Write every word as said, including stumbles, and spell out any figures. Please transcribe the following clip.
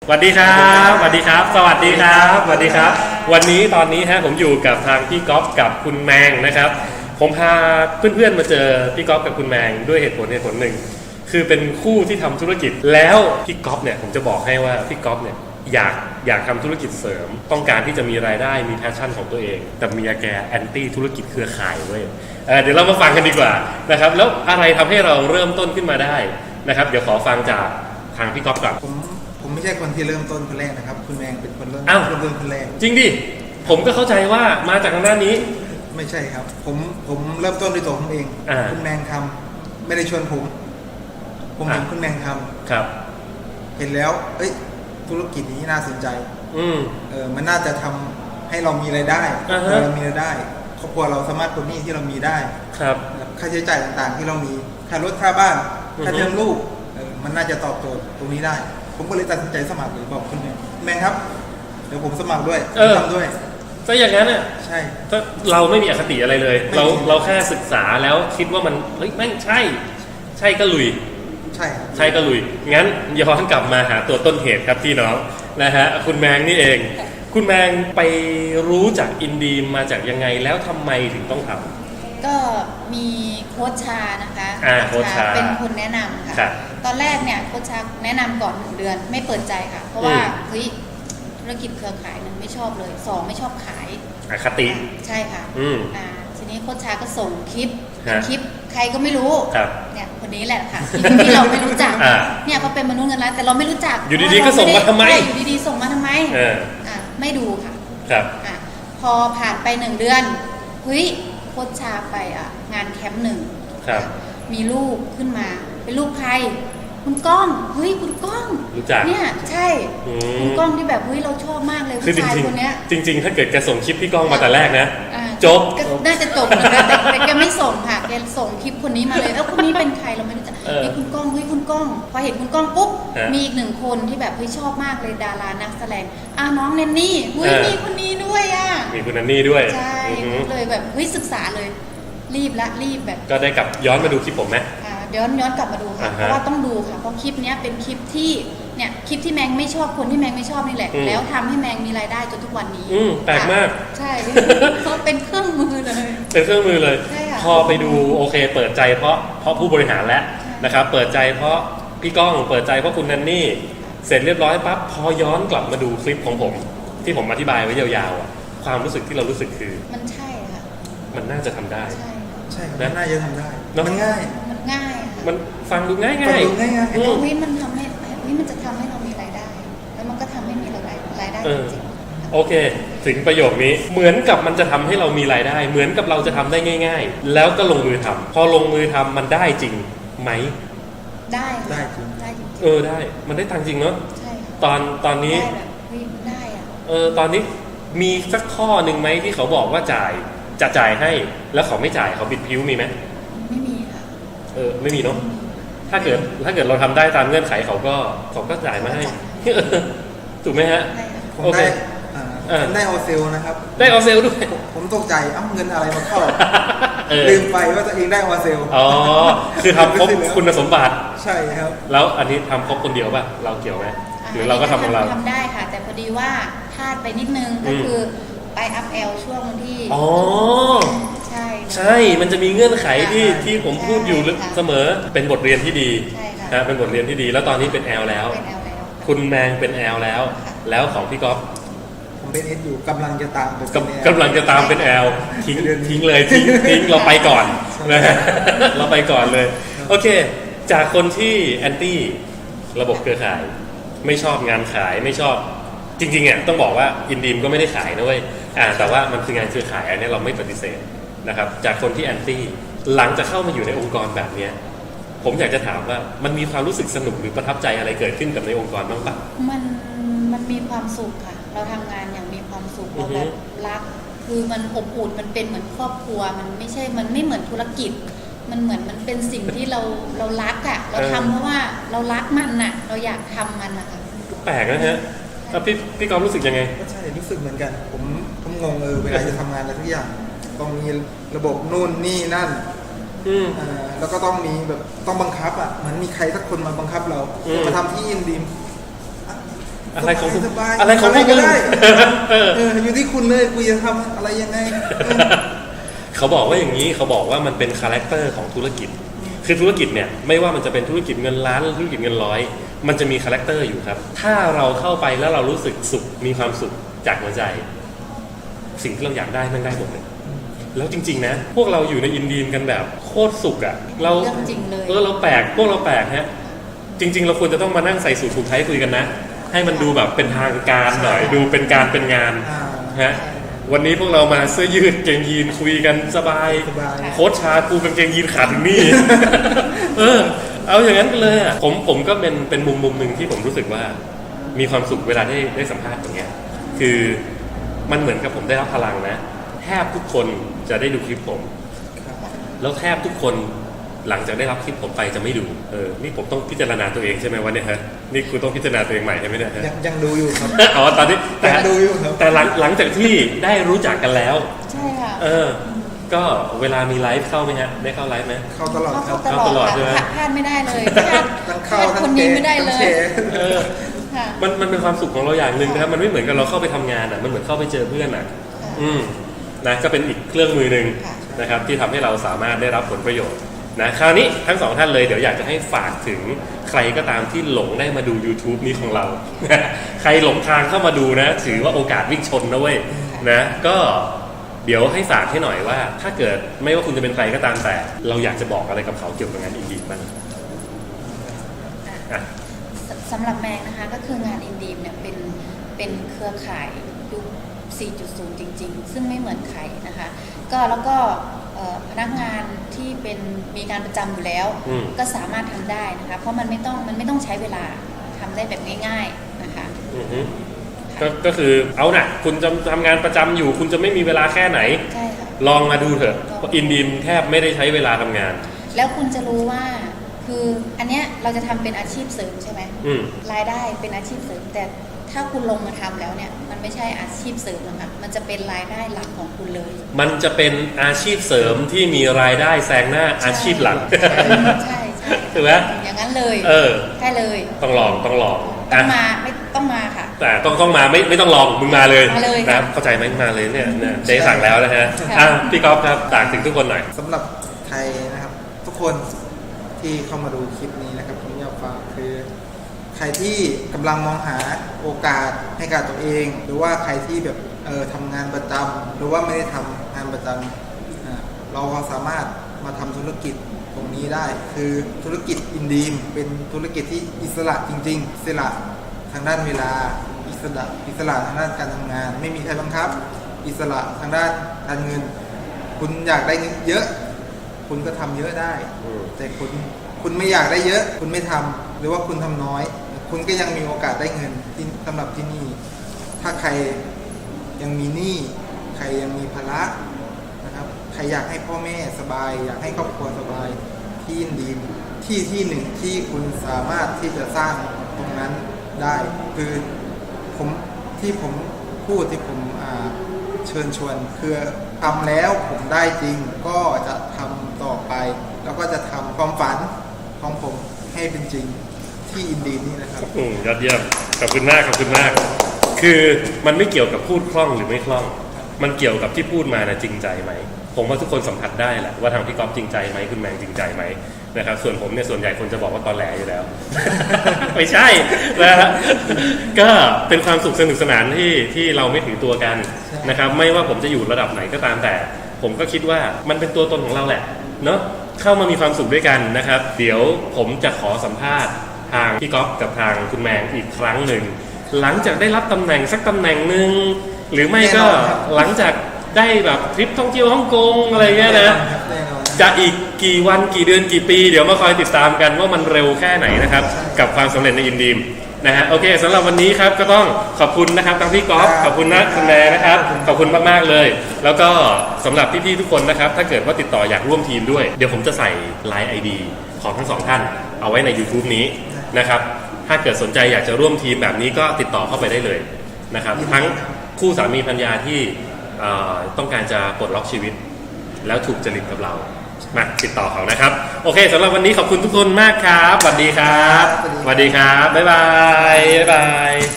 สวัสดีครับสวัสดีครับสวัสดีครับสวัสดีครับวันนี้ตอนนี้ฮะผมอยู่กับทางพี่ก๊อฟกับคุณแมงนะครับผมพาเพื่อนๆมาเจอพี่ก๊อฟกับคุณแมงด้วยเหตุผลเหตุผลหนึ่งคือเป็นคู่ที่ทำธุรกิจแล้วพี่ก๊อฟเนี่ยผมจะบอกให้ว่าพี่ก๊อฟเนี่ยอยากอยากทำธุรกิจเสริมต้องการที่จะมีรายได้มีแพชชั่นของตัวเองแต่เมียแกแอนตี้ธุรกิจเครือข่ายเว้ย เ, เดี๋ยวเรามาฟังกันดีกว่านะครับแล้วอะไรทำให้เราเริ่มต้นขึ้นมาได้นะครับเดี๋ยวขอฟังจากทางพี่ก๊อฟก่อนผมผมไม่ใช่คนที่เริ่มต้นคนแรกนะครับคุณแมงเป็นคนเริ่มอ้าวเริ่มต้นคนแรกจริงดิผมก็เข้าใจว่ามาจากทางด้านนี้ไม่ใช่ครับผมผมเริ่มต้นด้วยตัวผมเองคุณแมงทำไม่ได้ชวนผมผมเห็นคุณแมงทำครับเห็นแล้วเอ้ยธุรกิจนี้น่าสนใจอืมเออมันน่าจะทำให้เรามีรายได้เรามีรายได้ครอบครัวเราสามารถปลดหนี้ที่เรามีได้ครับค่าใช้จ่ายต่างๆที่เรามีค่ารถค่าบ้านค่าเทอมลูกเออมันน่าจะตอบโจทย์ตรงนี้ได้ผมก็เลยตัดสินใจสมัครเลยบอกคุณแมงแมงครับเดี๋ยวผมสมัครด้วยทำด้วยถ้าอย่างนั้นเนี่ยใช่ถ้าเราไม่มีอคติอะไรเลยเราเราแค่ศึกษาแล้วคิดว่ามันเฮ้ยแม่งใช่ใช่ก็ลุยใช่ใช่ก็ลุยงั้นย้อนกลับมาหาตัวต้นเหตุครับพี่น้องนะฮะคุณแมงนี่เองคุณแมงไปรู้จักอินดีมมาจากยังไงแล้วทำไมถึงต้องทำก็มีโค้ชชานะคะอ่าโค้ชชาเป็นคนแนะนำค่ะตอนแรกเนี่ยโค้ชชาแนะนำก่อนหนึ่งเดือนไม่เปิดใจค่ะเพราะว่าเฮ้ยธุรกิจเครือข่ายหนึ่งไม่ชอบเลยสองไม่ชอบขายอคติใช่ค่ะอืมอ่าทีนี้โค้ชชาก็ส่งคลิปคลิปใครก็ไม่รู้เนี่ยคนนี้แหละค่ะที่เราไม่รู้จักเนี่ยเขาเป็นมนุษย์เงินล้านแต่เราไม่รู้จักอยู่ดีๆก็ส่งมาทำไมอยู่ดีๆส่งมาทำไมอ่าไม่ดูค่ะครับอ่าพอผ่านไปหนึ่งเดือนเฮ้ยโค้ชชาไปอ่ะงานแคมป์หนึ่งมีรูปขึ้นมาเป็นรูปใครคุณก้องเฮ้ยคุณก้องเนี่ยใช่คุณก้องที่แบบเฮ้ยเราชอบมากเลยผู้ชายคนเนี้ยจริงๆถ้าเกิดแกส่งคลิปพี่ก้องมาแต่แรกนะจบน่าจะจบเหมือนกันแต่แกไม่ส่งค่ะแกส่งคลิปคนนี้มาเลยแล้วคนนี้เป็นใครเราไม่รู้จักนี่คุณก้องเฮ้ยคุณก้องพอเห็นคุณก้องปุ๊บมีอีกหนึ่งคนที่แบบเฮ้ยชอบมากเลยดารานักแสดงอ่ะน้องแนนนี่เฮ้ยมีคนนี้ด้วยอ่ะมีคุณแนนนี่ด้วยใช่เลยแบบเฮ้ยศึกษาเลยรีบละรีบแบบก็ได้กลับย้อนมาดูคลิปผมไหมย้อนย้อนกลับมาดูค่ะเพราะว่าต้องดูค่ะเพราะคลิปนี้เป็นคลิปที่เนี่ยคลิปที่แมงไม่ชอบคนที่แมงไม่ชอบนี่แหละแล้วทำให้แมงมีรายได้จนทุกวันนี้แปลกมากใช่เพราะเป็นเครื่องมือเลยเป็นเครื่องมือเลยพอไปดูโอเคเปิดใจเพราะเพราะผู้บริหารแล้วนะครับเปิดใจเพราะพี่ก้องเปิดใจเพราะคุณนันนี่เสร็จเรียบร้อยปั๊บพอย้อนกลับมาดูคลิปของผมที่ผมอธิบายไว้ยาวๆความรู้สึกที่เรารู้สึกคือมันใช่ค่ะมันน่าจะทำได้ใช่ใช่มันน่าจะทำได้มันง่ายมันง่ายมันฟังดูง่ายง่ายฟังดูง่ายง่ายเฮ้ยมันทำให้เฮ้ยมันจะทำให้เรามีรายได้แล้วมันก็ทำให้มีรายได้รายได้จริงๆโอเคถึงประโยคนี้เหมือนกับมันจะทำให้เรามีรายได้เหมือนกับเราจะทำได้ง่ายๆแล้วก็ลงมือทำพอลงมือทำมันได้จริงไหมได้ได้จริงได้จริงเออได้มันได้ตังจริงเนาะใช่ตอนตอนนี้ได้แบบเฮ้ยได้อะเออตอนนี้มีสักข้อหนึ่งไหมที่เขาบอกว่าจ่ายจะจ่ายให้แล้วเขาไม่จ่ายเขาบิดพิ้วมีไหมไม่มีค่ะเออไม่มีเนาะถ้าเกิดถ้าเกิดเราทำได้ตามเงื่อนไขเขาก็เขาก็จ่ายมาให้ถูกไหมฮะโอเคได้ออเซลนะครับได้ออเซลด้วยผมตกใจอ้ำเงินอะไรมาเข้าลืมไปว่าตัวเองได้ออเซลอ๋อคือทำครบคุณสมบัติใช่ครับแล้วอันนี้ทำครบคนเดียวป่ะเราเกี่ยวไหมหรือเราก็ทำของเราทำได้ค่ะแต่พอดีว่าพลาดไปนิดนึงก็คือไปอัพแอลช่วงที่อ๋อใช่ใช่มันจะมีเงื่อนไขที่ที่ผมพูดอยู่เสมอเป็นบทเรียนที่ดีนะเป็นบทเรียนที่ดีแล้วตอนนี้เป็นแอลแล้วคุณแมงเป็นแอลแล้วแล้วของพี่ก๊อฟผมเป็นเอสอยู่กำลังจะตามกำลังจะตามเป็นแอลทิ้งทิ้งเลยทิ้งทิ้งเราไปก่อนนะเราไปก่อนเลยโอเคจากคนที่แอนตี้ระบบเครือข่ายไม่ชอบงานขายไม่ชอบจริงๆอ่ะต้องบอกว่าอินดีมก็ไม่ได้ขายนะเว้ยอ่าแต่ว่ามันคืองานเครือข่ายอันนี้เราไม่ปฏิเสธนะครับจากคนที่แอนตี้หลังจากเข้ามาอยู่ในองค์กรแบบเนี้ยผมอยากจะถามว่ามันมีความรู้สึกสนุกหรือประทับใจอะไรเกิดขึ้นกับในองค์กรบ้างปะมันมันมีความสุขค่ะเราทำงานอย่างมีความสุขเราแบบรักคือมันอบอุ่นมันเป็นเหมือนครอบครัวมันไม่ใช่มันไม่เหมือนธุรกิจมันเหมือนมันเป็นสิ่งที่เราเรารักอ่ะเราทำเพราะว่าเรารักมันน่ะเราอยากทำมันนะคะแปลกนะฮะแล้วพี่พี่กอล์ฟรู้สึกยังไงก็ใช่รู้สึกเหมือนกันผมผมงงเออเวลาจะทำงานอะไรทุกอย่างต้องมีระบบนู่นนี่นั่นอ่าแล้วก็ต้องมีแบบต้องบังคับอ่ะเหมือนมีใครสักคนมาบังคับเรามาทำที่อินดีมอะไรของคุณสบายๆอะไรของพวกก็มึงได้เออเอออยู่ที่คุณเลยกูจะทำอะไรยังไงเออเขาบอกว่าอย่างนี้เขาบอกว่ามันเป็นคาแรคเตอร์ของธุรกิจ คือธุรกิจเนี่ยไม่ว่ามันจะเป็นธุรกิจเงินล้านหรือธุรกิจเงินร้อยมันจะมีคาแรคเตอร์อยู่ครับถ้าเราเข้าไปแล้วเรารู้สึกสุขมีความสุขจากหัวใจ สิ่งที่เราอยากได้มันได้หมดเลยแล้วจริงๆนะพวกเราอยู่ในอินดีมกันแบบโคตรสุขอะเราเรื่องจริงเลยเออเราแปลกพวกเราแปลกฮะจริง ๆ เราควรจะต้องมานั่งใส่สูทผูกไทยคุยกันนะให้มันดูแบบเป็นทางการหน่อยดูเป็นการเป็นงานอ่าฮะวันนี้พวกเรามาเสื้อยืดเกงยีนคุยกันสบายสบายโค้ชชากูกางเกงยีนขาดถึงนี่ เออ เอาอย่างนั้นกันเลยอ่ะผมผมก็เป็นเป็นมุมมุมหนึ่งที่ผมรู้สึกว่ามีความสุขเวลาได้ได้สัมภาษณ์อย่างเงี้ยคือมันเหมือนกับผมได้รับพลังนะแทบทุกคนจะได้ดูคลิปผม แล้วแทบทุกคนหลังจากได้รับคลิปผมไปจะไม่ดูเออนี่ผมต้องพิจารณาตัวเองใช่ไหมวะเนี่ยฮะนี่คุณต้องพิจารณาตัวเองใหม่ใช่ไหมเนี่ยฮะยังยังดูอยู่ครับอ๋อตอนนี้แต่ยังดูอยู่ครับแต่หลังหลังจากที่ได้รู้จักกันแล้วใช่ค่ะเออ ก็เวลามีไลฟ์เข้าไหมฮะได้เข้าไลฟ์ไหมเข้าตลอดคเข้ารับตลอดเข้าตลอดใช่ไหมค่ะพลาดไม่ได้เลยพลาดทั้งพเข้าลาดทั้คนงเกนี้มไม่ได้เลทั้งยแชร์เออค่ะมันมันเป็นความสุขของเราอย่างหนึ่งนะครับมันไม่เหมือนกับเราเข้าไปทำงานอ่ะมันเหมือนเข้าไปเจอเพื่อนอ่ะค่ะอืมนะก็เป็นอีกเครื่องมือหนึ่งค่ะนะครับที่ทำให้เราสามารถได้รับผลประโยชน์นะคราวนี้ทั้งสองท่านเลยเดี๋ยวอยากจะให้ฝากถึงใครก็ตามที่หลงได้มาดู YouTube นี้ของเรา ใครหลงทางเข้ามาดูนะถือว่าโอกาสวิ่งชนนะเว้ยนะก็เดี๋ยวให้ฝากให้หน่อยว่า ถ้าเกิดไม่ว่าคุณจะเป็นใครก็ตามแต่ เราอยากจะบอกอะไรกับเขาเกี่ยวกับงานอินดีบ้างอ่ะสสำหรับแมงนะคะก็คืองานอินดีมเนี่ยเป็นเป็นเครือข่ายยุค สี่จุดศูนย์ จริงๆ ซึ่งไม่เหมือนใครนะคะก็แล้วก็เอ่อพนักงานที่เป็นมีการประจำอยู่แล้วอืมก็สามารถทำได้นะคะเพราะมันไม่ต้องมันไม่ต้องใช้เวลาทำได้แบบง่ายๆนะคะอือฮึก็ก็คือเอาน่ะคุณจะทำงานประจำอยู่ คุณจะไม่มีเวลาแค่ไหนใช่ค่ะลองมาดูเถอะเพราะอินดีมแทบไม่ได้ใช้เวลาทำงานแล้วคุณจะรู้ว่าคืออันเนี้ยเราจะทำเป็นอาชีพเสริมใช่ไหมอืมรายได้เป็นอาชีพเสริม แต่ถ้าคุณลงมาทำแล้วเนี่ยมันไม่ใช่อาชีพเสริมนะคะมันจะเป็นรายได้หลักของคุณเลยมันจะเป็นอาชีพเสริมที่มีรายได้แซงหน้าอาชีพหลักใช่ใช่ใช่ถูกไหมอย่างนั้นเลยเออใช่เลยต้องลองต้องลองต้องอ่ะมาไม่ต้องมาค่ะแต่ต้องต้องมาไม่ไม่ต้องลองมึงมาเลยมาเลยนะเข้าใจไหมมาเลยเนี่ยเนี่ยเจ๊สั่งแล้วนะฮะค่ะอ่ะพี่ก๊อฟครับฝากถึงทุกคนหน่อยสำหรับใครนะครับ ทุกคนที่เข้ามาดูคลิปนี้นะครับผมอยากฝากคือ ใครที่กำลังมองหาโอกาสให้กับตัวเอง หรือว่าใครที่แบบเออทำงานประจำหรือว่าไม่ได้ทำงานประจำอ่าเราก็สามารถมาทำธุรกิจตรงนี้ได้ คือธุรกิจอินดีมเป็นธุรกิจที่อิสระจริงๆอิสระทางด้านเวลาอิสระอิสระทางด้านการทำงาน ไม่มีใครบังคับ อิสระทางด้านการเงิน คุณอยากได้เงินเยอะ คุณก็ทำเยอะได้อืมแต่คุณคุณไม่อยากได้เยอะ คุณไม่ทำหรือว่าคุณทำน้อย คุณก็ยังมีโอกาสได้เงินที่สำหรับที่นี่ ถ้าใครยังมีหนี้ใครยังมีภาระนะครับใครอยากให้พ่อแม่สบาย อยากให้ครอบครัวสบายที่ยินดีที่ที่หนึ่งที่คุณสามารถที่จะสร้างตรงนั้นได้ คือผมที่ผมพูดที่ผมอ่าเชิญชวนคือทำแล้วผมได้จริงก็จะทำต่อไป แล้วก็จะทำความฝันของผมให้เป็นจริงที่อินดีนี่นะครับอืมยอดเยี่ยมขอบคุณมากขอบคุณมาก คือมันไม่เกี่ยวกับพูดคล่องหรือไม่คล่อง มันเกี่ยวกับที่พูดมานะจริงใจไหมผมว่าทุกคนสัมผัสได้แหละว่าทางพี่ก๊อฟจริงใจไหมคุณแมงจริงใจไหมนะครับส่วนผมเนี่ยส่วนใหญ่คนจะบอกว่าตอนแหลอยู่แล้ว ไม่ใช่นะฮะก็เป็นความสุขสนุกสนานที่ที่เราไม่ถือตัวกันนะครับไม่ว่าผมจะอยู่ระดับไหนก็ตามแต่ ผมก็คิดว่ามันเป็นตัวตนของเราแหละเนาะเข้ามามีความสุขด้วยกันนะครับเดี๋ยวผมจะขอสัมภาษณ์ทางพี่ก๊อฟกับทางคุณแมงอีกครั้งหนึ่งหลังจากได้รับตำแหน่งสักตำแหน่งหนึ่งหรือไม่ก็แน่นอนครับหลังจากได้แบบทริปท่องเที่ยวฮ่องกงอะไรเงี้ยนะแน่นอนจะอีกกี่วันกี่เดือนกี่ปี เดี๋ยวมาคอยติดตามกันว่ามันเร็วแค่ไหนนะครับกับความสำเร็จในอินดีมนะฮะโอเคสำหรับวันนี้ครับก็ต้องขอบคุณนะครับทั้งพี่ก๊อฟขอบคุณนะคุณแม่นะครับขอบคุณมากๆเลย แล้วก็สำหรับพี่ๆทุกคนนะครับถ้าเกิดว่าติดต่ออยากร่วมทีมด้วยเดี๋ยวผมจะใส่ ไลน์ ไอ ดี ของทั้งสองท่านเอาไว้ใน YouTube นี้นะครับถ้าเกิดสนใจอยากจะร่วมทีมแบบนี้ก็ติดต่อเข้าไปได้เลยนะครับทั้งคู่สามีภรรยาที่เอ่อต้องการจะปลดล็อกชีวิต แล้วถูกจริตกับเรามาติดต่อเขานะครับโอเคสำหรับวันนี้ขอบคุณทุกคนมากครับสวัสดีครับสวัสดีครับบ๊ายบายบ๊ายบาย